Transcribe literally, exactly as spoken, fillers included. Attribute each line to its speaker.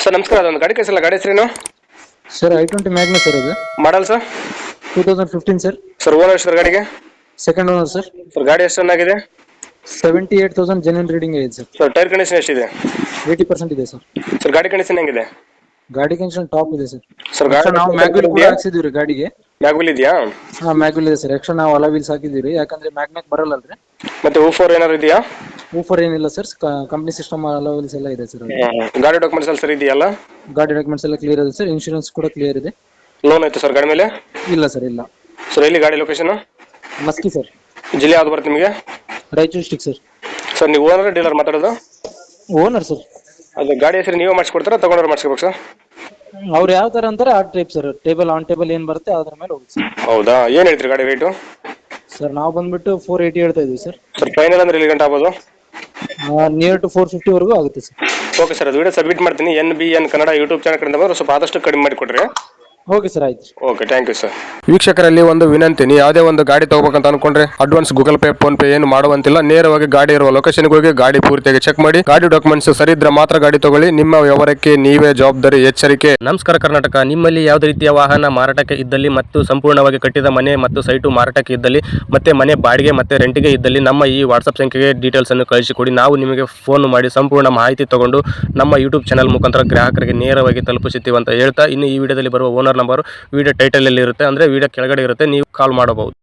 Speaker 1: Sir ನಮಸ್ಕಾರ, ಅದೊಂದು ಗಾಡಿ ಕಳಿಸಲ್ಲ, ಗಾಡಿ ಹೆಸರೇನು?
Speaker 2: Sir I twenty magna sir ಅದು
Speaker 1: model sir?
Speaker 2: Two thousand fifteen sir.
Speaker 1: Sir owner sir ಗಾಡಿಗೆ?
Speaker 2: Second owner sir.
Speaker 1: ಸರ್ ಗಾಡಿ ಎಷ್ಟು ಚೆನ್ನಾಗಿದೆ?
Speaker 2: Seventy eight thousand genuine reading ಇದೆ ಸರ್.
Speaker 1: ಸರ್ ಟೈರ್ ಕಂಡೀಷನ್ ಎಷ್ಟಿದೆ?
Speaker 2: ಏಯ್ಟಿ ಪರ್ಸೆಂಟ್ ಇದೆ ಸರ್.
Speaker 1: ಸರ್ ಗಾಡಿ condition ಹೆಂಗಿದೆ?
Speaker 2: ಗಾಡಿ ಕಂಡೀಷನ್ ಟಾಪ್ ಇದೆ ಸರ್.
Speaker 1: ಸರ್ ಗಾಡಿ
Speaker 2: ನಾವು ಮ್ಯಾಗ್ವಿಲ್ ಕೂಡ ಹಾಕ್ಸಿದೀವಿ ರೀ ಗಾಡಿಗೆ.
Speaker 1: ಮ್ಯಾಗ್ವಿಲ್ ಇದೆಯಾ?
Speaker 2: ಹಾ ಮ್ಯಾಗ್ವಿಲ್ ಇದೆ ಸರ್. ಎಕ್ಸ್ಟ್ರಾ ನಾವು ಅಲಾ ವೀಲ್ಸ್ ಹಾಕಿದೀವಿ ರೀ, ಯಾಕಂದ್ರೆ ಮ್ಯಾಗ್ನಾಕ್ ಬರಲ್ಲ ಅಲ್ರಿ.
Speaker 1: ಮತ್ತೆ ಊಫೋರ್ ಏನಾರು ಇದೆಯಾ?
Speaker 2: ಊಫರ್ ಏನಿಲ್ಲ sir, company system alloy wheels ಎಲ್ಲ ಇದೆ ಸರ್.
Speaker 1: ಗಾಡಿ ಡಾಕ್ಯುಮೆಂಟ್ಸ್ ಎಲ್ಲ ಸರ್ ಇದೆಯಲ್ಲ?
Speaker 2: ಗಾಡಿ ಡಾಕ್ಯುಮೆಂಟ್ಸ್ ಎಲ್ಲ ಕ್ಲಿಯರ್ ಇದೆ ಸರ್. ಇನ್ಶೂರೆನ್ಸ್ ಕೂಡ ಕ್ಲಿಯರ್ ಇದೆ.
Speaker 1: ಲೋನ್ ಆಯ್ತು ಸರ್ ಗಾಡಿ ಮೇಲೆ?
Speaker 2: ಇಲ್ಲ ಸರ್, ಇಲ್ಲ.
Speaker 1: ಸರ್ ಎಲ್ಲಿ ಗಾಡಿ ಲೊಕೇಶನ್?
Speaker 2: ಮಸ್ಕಿ ಸರ್.
Speaker 1: ಜಿಲ್ಲೆ ಯಾವ್ದು ಬರುತ್ತೆ ನಿಮಗೆ?
Speaker 2: Raichur district sir.
Speaker 1: ಸರ್ ನೀವು ಓನರ್ ಡೀಲರ್ ಮಾತಾಡೋದು?
Speaker 2: Owner sir.
Speaker 1: ಅದು ಗಾಡಿ ಹೆಸರು ನೀವೇ ಮಾಡಿಸ್ಕೊಡ್ತಾರಾ ತಗೊಂಡ್ರೆ ಮಾಡಿಸ್ಕೋಬೇಕು ಸರ್?
Speaker 2: ಅವ್ರು ಯಾವ ತರ ಅಂತಾರೆ ಆ type sir. Table on table ಏನ್ ಬರುತ್ತೆ ಅದ್ರ ಮೇಲೆ ಹೋಗುತ್ತೆ ಸರ್.
Speaker 1: ಹೌದಾ, ಏನು ಹೇಳ್ತೀರಿ ಗಾಡಿ ರೇಟು?
Speaker 2: ಸರ್ ನಾವು ಬಂದ್ಬಿಟ್ಟು ಫೋರ್ ಏಯ್ಟಿ ಹೇಳ್ತಾ ಇದೀವಿ ಸರ್.
Speaker 1: ಸರ್ ಫೈನಲ್ ಅಂದ್ರೆ ಎಲ್ಲಿ ಗಂಟೆ ಆಗ್ಬೋದು?
Speaker 2: ನಿಯರ್ ಟು ಫೋರ್ ಫಿಫ್ಟಿ ವರೆಗೂ ಆಗುತ್ತೆ ಸರ್.
Speaker 1: ಓಕೆ ಸರ್, ಅದು ವಿಡಿಯೋ ಸಬ್ಮಿಟ್ ಮಾಡ್ತೀನಿ. N B N Kannada YouTube channel ಕಡೆಯಿಂದ ಬಂದ್ರೆ ಸ್ವಲ್ಪ ಆದಷ್ಟು ಕಡಿಮೆ ಮಾಡಿಕೊಡ್ರಿ.
Speaker 2: ಓಕೆ ಸರ್, ಆಯ್ತು.
Speaker 1: Okay, thank you sir. ವೀಕ್ಷಕರಲ್ಲಿ ಒಂದು ವಿನಂತಿ, ನೀವು ಯಾವುದೇ ಒಂದು ಗಾಡಿ ತಗೋಬೇಕಂತ ಅನ್ಕೊಂಡ್ರೆ advance Google Pay PhonePe ಏನು ಮಾಡುವಂತಿಲ್ಲ. ನೇರವಾಗಿ ಗಾಡಿ ಇರುವ ಲೊಕೇಶನ್ಗೆ ಹೋಗಿ ಗಾಡಿ ಪೂರ್ತಿಯಾಗಿ ಚೆಕ್ ಮಾಡಿ, ಗಾಡಿ ಡಾಕ್ಯುಮೆಂಟ್ಸ್ ಸರಿ ಇದ್ರೆ ಮಾತ್ರ ಗಾಡಿ ತಗೊಳ್ಳಿ. ನಿಮ್ಮ ವ್ಯವಹಾರಕ್ಕೆ ನೀವೇ ಜವಾಬ್ದಾರಿ. ಎಚ್ಚರಿಕೆ.
Speaker 3: ನಮಸ್ಕಾರ ಕರ್ನಾಟಕ. ನಿಮ್ಮಲ್ಲಿ ಯಾವುದೇ ರೀತಿಯ ವಾಹನ ಮಾರಾಟಕ್ಕೆ ಇದ್ದಲ್ಲಿ ಮತ್ತು ಸಂಪೂರ್ಣವಾಗಿ ಕಟ್ಟಿದ ಮನೆ ಮತ್ತು ಸೈಟು ಮಾರಾಟಕ್ಕೆ ಇದ್ದಲ್ಲಿ ಮತ್ತೆ ಮನೆ ಬಾಡಿಗೆ ಮತ್ತೆ ರೆಂಟಿಗೆ ಇದ್ದಲ್ಲಿ ನಮ್ಮ ಈ ವಾಟ್ಸಪ್ ಸಂಖ್ಯೆಗೆ ಡೀಟೇಲ್ಸ್ ಅನ್ನು ಕಳಿಸಿಕೊಡಿ. ನಾವು ನಿಮಗೆ ಫೋನ್ ಮಾಡಿ ಸಂಪೂರ್ಣ ಮಾಹಿತಿ ತಗೊಂಡು ನಮ್ಮ ಯೂಟ್ಯೂಬ್ ಚಾನಲ್ ಮುಖಾಂತರ ಗ್ರಾಹಕರಿಗೆ ನೇರವಾಗಿ ತಲುಪಿಸುತ್ತೀವಿ ಅಂತ ಹೇಳ್ತಾ, ಇನ್ನು ಈ ವಿಡಿಯೋದಲ್ಲಿ ಬರುವ ಓನರ್ ನಂಬರ್ ವಿಡಿಯೋ ಟೈಟಲ್ ಅಲ್ಲಿ ಇರುತ್ತೆ, ಅಂದ್ರೆ ವಿಡಿಯೋ ಕೆಳಗಡೆ ಇರುತ್ತೆ, ನೀವು ಕಾಲ್ ಮಾಡಬಹುದು.